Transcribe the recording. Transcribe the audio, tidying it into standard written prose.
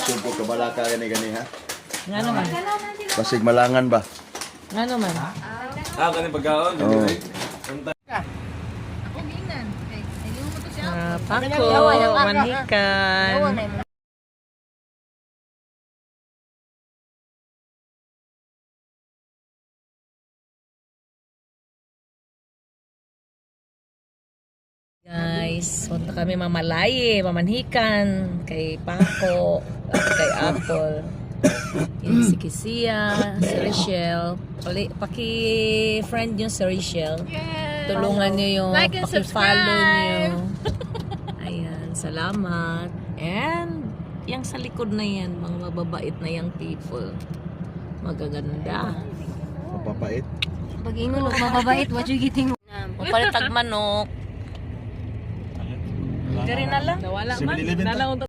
Lisod ko kabalaka gani ha. Nga naman. Basig malangan ba? Nga naman. Kani pagkaon. Oo. Pako, manhikan. Guys, punta kami mamalaye, mamanhikan kay Paco at kay Apple. Yan si Kisia, si Rachel. Paki-friend nyo si Rachel. Tulungan nyo yung Like and paki-follow nyo. Ayan, salamat. And yung sa likod na yan, mga mababait na yung people. Magaganda. Mapapait. Pag ingon mababait, what you getting? Mapalit tag manok. Dari na lang. Nawala man.